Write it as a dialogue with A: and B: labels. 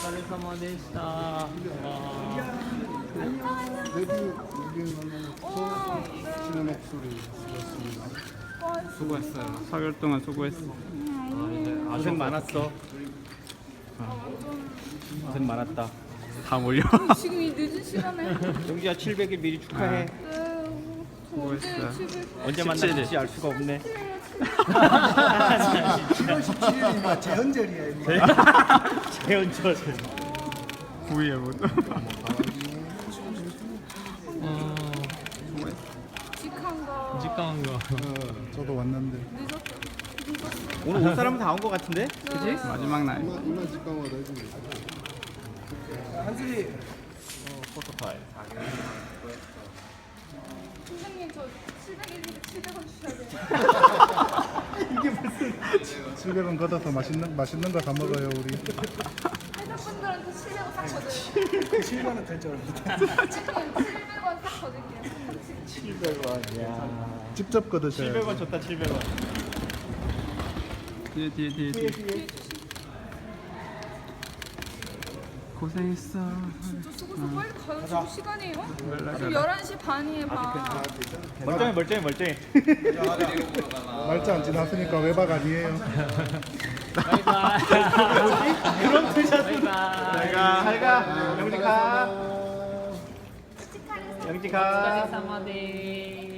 A: 様でした。
B: 데뷔 200만 처음 목소리 쓰셨습니다.
A: 수고했어요. 4개월 동안 수고했어. 고생 많았어. 고생 많았다. 다 몰려.
C: 지금 이 늦은 시간에.
A: 용기야 700일 미리 축하해.
C: 수고했어요.
A: 언제 만날지 알 수가 없네.
B: 7월 17일이면 재헌절이에요.
A: 재현철.
D: 9위에 뭐.
C: 직한 거.
D: 직강한 거.
B: 저도 왔는데.
A: 오늘 온 사람은 다 온 것 같은데? 그지?
D: 마지막 날.
B: 이만 직강화 해주면
A: 한슬이. 포토파일.
C: 선생님 저 700원 700원 주셔야 돼요.
B: 700원 걷어서 맛있는 거 다 먹어요 우리.
C: 회사분들한테 700원 딱 거둘게요.
B: 7만원 될줄 알았는데.
C: 선생님 700원 딱 거둘게요.
A: 700원. 야.
B: 직접 걷으셔야
A: 700원 줬다 700원.
D: 뒤에. 고생했어.
C: 진짜 수고해서 빨리 가요. 지금 시간이에요? 지금 11시 반이에요 반.
A: 멀쩡해.
B: 말자 안 지났으니까 외박 아니에요.
A: 바이바이. 그런 뜻이었어. 잘가. 영지 가. 영지 가.
C: 様です。